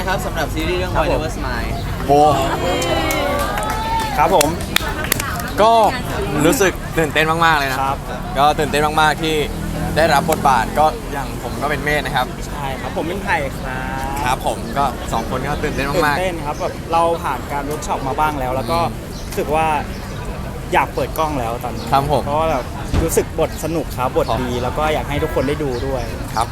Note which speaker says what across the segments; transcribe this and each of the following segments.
Speaker 1: ครับสำหรับซีรีส์เรื่อง Boy Never Smile
Speaker 2: โอ้ครับผมก็รู้สึกตื่นเต้นมากๆเลยนะครับก็ตื่นเต้นมากๆที่ได้รับบทบาทก็อย่างผมก็เป็นเมธนะครับ
Speaker 3: ใช่ครับผมเป็นไผ่ครับ
Speaker 2: ครับผมก็2คนก็ตื่นเต้นมาก
Speaker 3: ๆตื่นเต้นครับแบบเราผ่านการเวิร์กช็อปมาบ้างแล้วแล้วก็รู้สึกว่าอยากเปิดกล้องแล้วตอนนี้
Speaker 2: ครับผม
Speaker 3: เพราะว่าแบบรู้สึกบทสนุกครับบทดีแล้วก็อยากให้ทุกคนได้ดูด้วย
Speaker 2: ครับ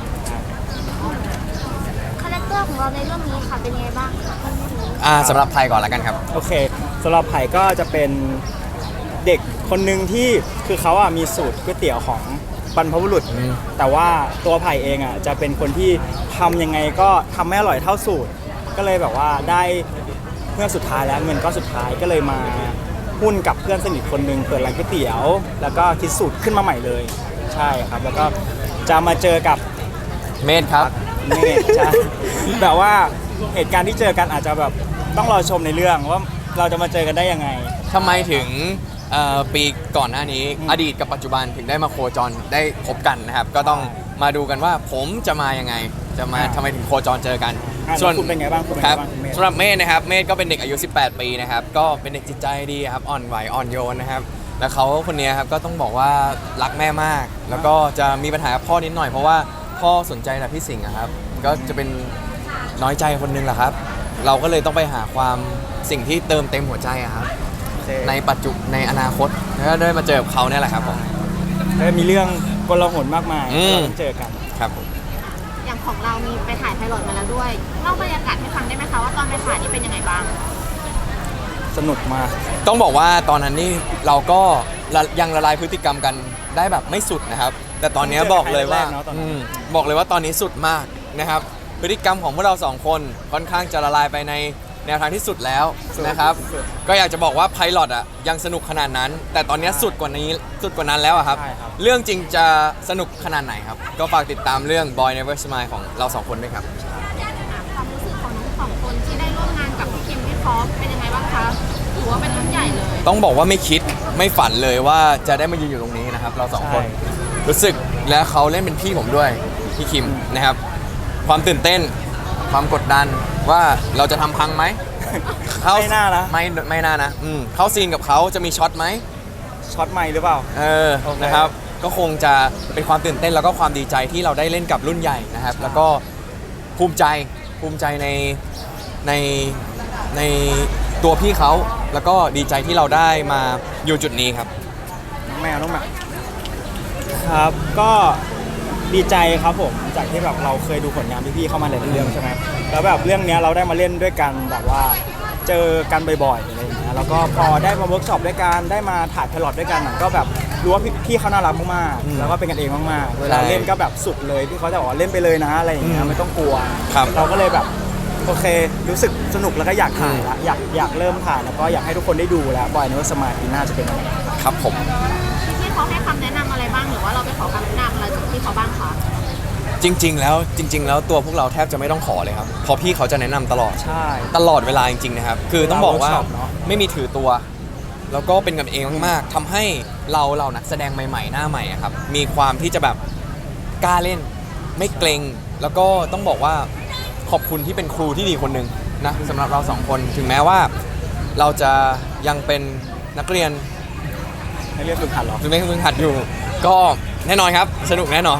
Speaker 4: คาแรคเตอร์ของเราในเรื่องนี้ค่ะเป็นยังไงบ้างคะ
Speaker 2: สำหรับไทยก่อนละกันครับ
Speaker 3: โอเคสำหรับไผ่ก็จะเป็นเด็กคนหนึ่งที่คือเขามีสูตรก๋วยเตี๋ยวของบรรพบุรุษแต่ว่าตัวไผ่เองจะเป็นคนที่ทำยังไงก็ทำไม่อร่อยเท่าสูตรก็เลยแบบว่าได้เพื่อนสุดท้ายแล้วเงินก็สุดท้ายก็เลยมาหุ้นกับเพื่อนสนิทคนหนึ่งเปิดร้านก๋วยเตี๋ยวแล้วก็คิดสูตรขึ้นมาใหม่เลยใช่ครับแล้วก็จะมาเจอกับ
Speaker 2: เมธครับ
Speaker 3: เมธใช่แบบว่าเหตุการณ์ที่เจอกันอาจจะแบบต้องรอชมในเรื่องว่าเราจะมาเจอกันได้ยังไง
Speaker 2: ทำไมถึงปีก่อนหน้านี้อดีตกับปัจจุบันถึงได้มาโคจรได้พบกันนะครับก็ต้องมาดูกันว่าผมจะมายังไงจะมาทำไมถึงโคจรเจอกัน
Speaker 3: ส่วนคุณเป็นไงบ้าง
Speaker 2: ครับสำหรับเมธนะครับเมธก็เป็นเด็กอายุ18ปีนะครับก็เป็นเด็กจิตใจดีครับอ่อนไหวอ่อนโยนนะครับแล้วเขาคนนี้ครับก็ต้องบอกว่ารักแม่มากแล้วก็จะมีปัญหากับพ่อนิดหน่อยเพราะว่าพ่อสนใจแต่พี่สิงห์ครับก็จะเป็นน้อยใจคนนึงแหละครับเราก็เลยต้องไปหาความสิ่งที่เติมเต็มหัวใจครับในปัจจุบันในอนาคตแล้วก็ได้มาเจอกับเขาเนี่ยแหละครับผม
Speaker 3: ได้มีเรื่องกลหนมากมายเราต้องเจอกัน
Speaker 2: ครับ
Speaker 4: อย่างของเรามีไปถ่ายไพลอตมาแล้วด้วยเล่าบรรยากาศให้ฟังได้ไหมคะว่าตอนไปถ่ายนี่เป็นยังไงบ้าง
Speaker 3: สนุกมาก
Speaker 2: ต้องบอกว่าตอนนั้นนี่เราก็ยังละลายพฤติกรรมกันได้แบบไม่สุดนะครับแต่ตอนนี้บอกเลยว่าตอนนี้สุดมากนะครับพฤติกรรมของพวกเรา2คนค่อนข้างจะละลายไปในแนวทางที่สุดแล้วนะครับก็อยากจะบอกว่าไพลอตยังสนุกขนาดนั้นแต่ตอนนี้สุดกว่านั้นแล้วครับเรื่องจริงจะสนุกขนาดไหนครับก็ฝากติดตามเรื่อง Boy Never Smile ของเรา2คนด้วยครับ
Speaker 4: ความรู้สึกของทั้ง2คนที่ได้ร่วมงานกับพี่คิมพี่คอฟเป็นยังไงบ้างคะถือว่าเป็นรุ่นใหญ่เลย
Speaker 2: ต้องบอกว่าไม่คิดไม่ฝันเลยว่าจะได้มายืนอยู่ตรงนี้นะครับเรา2คนรู้สึกและเขาเล่นเป็นพี่ผมด้วยพี่คิมนะครับความตื่นเต้นความกดดันว่าเราจะทำพังไหม
Speaker 3: ไม่น่านะ
Speaker 2: ไม่น่านะเข้าซีนกับเขาจะมีช็อตไหม
Speaker 3: ช็อตใหม่หรือเปล่า
Speaker 2: นะครับก็คงจะเป็นความตื่นเต้นแล้วก็ความดีใจที่เราได้เล่นกับรุ่นใหญ่นะครับแล้วก็ภูมิใจในตัวพี่เขาแล้วก็ดีใจที่เราได้มาอยู่จุดนี้ครับ
Speaker 3: แมวน้องหมาครับก็ดีใจครับผมจากที่แบบเราเคยดูผลงานพี่ๆเข้ามาหลายเรื่องใช่ไหมแล้วแบบเรื่องนี้เราได้มาเล่นด้วยกันแบบว่าเจอกันบ่อยๆอะไรอย่างเงี้ยแล้วก็พอได้มาเวิร์กช็อปด้วยกันได้มาถ่ายไพลอตด้วยกันก็แบบรู้ว่าพี่เขาน่ารักมากๆแล้วก็เป็นกันเองมากๆเวลาเล่นก็แบบสุดเลยพี่เขาจะบอกว่าเล่นไปเลยนะอะไรอย่างเงี้ยไม่ต้องกลัวเราก็เลยแบบโอเครู้สึกสนุกแล้วก็อยากถ่ายละอยากเริ่มถ่ายแล้วก็อยากให้ทุกคนได้ดูแล้วBoy Never Smileปีหน้าจะเป็นยังไง
Speaker 2: ครับผม
Speaker 4: พี่เขาให้คำแนะนำอะไรบ้างหรือว่าเราไปขอคำแนะนำอะไรจากพี่เขาบ้างคะ
Speaker 2: จริงๆแล้วตัวพวกเราแทบจะไม่ต้องขอเลยครับเพราะพี่เขาจะแนะนำตลอด
Speaker 3: ใช่
Speaker 2: ตลอดเวลาจริงๆนะครับคือต้องบอกว่าไม่มีถือตัวแล้วก็เป็นกันเองมากๆทำให้เรานักแสดงใหม่ๆหน้าใหม่ครับมีความที่จะแบบกล้าเล่นไม่เกรงแล้วก็ต้องบอกว่าขอบคุณที่เป็นครูที่ดีคนหนึ่งนะสำหรับเรา2คนถึงแม้ว่าเราจะยังเป็นนักเรียน
Speaker 3: ฝึกหัดหรอ
Speaker 2: ไม่ฝึกหัดอยู่ก็แน่นอนครับสนุกแน่นอน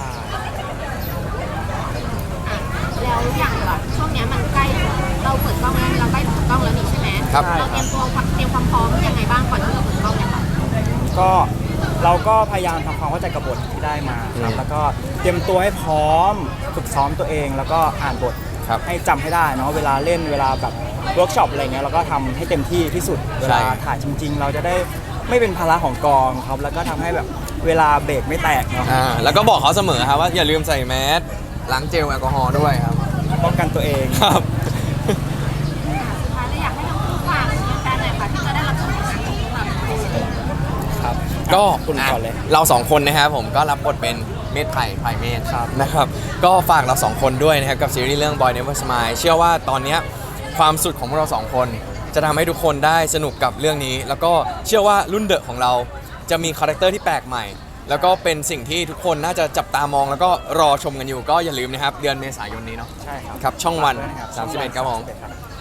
Speaker 4: แล้วอย่างแบบช่วงนี้มันใกล้เราเปิดกล้องแล้วเราใกล้เปิดกล้องแล้วนี่ใช่ไหมเราเตรียมความพร้อมยังไงบ้างก่อนที่เราเปิดกล้องเนี่ยค่ะ
Speaker 3: ก็เราก็พยายามทำความเข้าใจกับบทที่ได้มาครับแล้วก็เตรียมตัวให้พร้อมฝึกซ้อมตัวเองแล้วก็อ่านบทให้จำให้ได้เนาะเวลาเล่นเวลาแบบเวิร์กช็อปอะไรเงี้ยเราก็ทำให้เต็มที่ที่สุดเวลาถ่ายจริงๆเราจะได้ไม่เป็นภาระของกองครับแล้วก็ทำให้แบบเวลาเบรกไม่แตกเนาะ
Speaker 2: แล้วก็บอกเขาเสมอครับว่าอย่าลืมใส่แมสล้างเจลแอลกอฮอล์ด้วยครับ
Speaker 3: ป้องกันตัวเอง
Speaker 2: ครับ
Speaker 4: สุดท้ายเลยอยากให้ทั้งคู่ฝากแฟนๆหน่อยค่ะที่จะได้รับชมผลงานของพวกเรา
Speaker 2: ครับก็คุณก่อนเลยเรา2คนนะครับผมก็รับบทเป็นเมธไผ่เมธนะครับก็ฝากเรา2คนด้วยนะครับกับซีรีส์เรื่อง Boy Never Smile เชื่อว่าตอนนี้ความสุดของพวกเรา2คนจะทำให้ทุกคนได้สนุกกับเรื่องนี้แล้วก็เชื่อว่ารุ่นเดอะของเราจะมีคาแรคเตอร์ที่แปลกใหม่แล้วก็เป็นสิ่งที่ทุกคนน่าจะจับตามองแล้วก็รอชมกันอยู่ก็อย่าลืมนะครับเดือนเมษายนนี้เนาะ
Speaker 3: ใช่ครับ
Speaker 2: ครับช่องวัน
Speaker 3: ฝากด้วยนะครับ
Speaker 2: 31ครับผม
Speaker 3: ครับ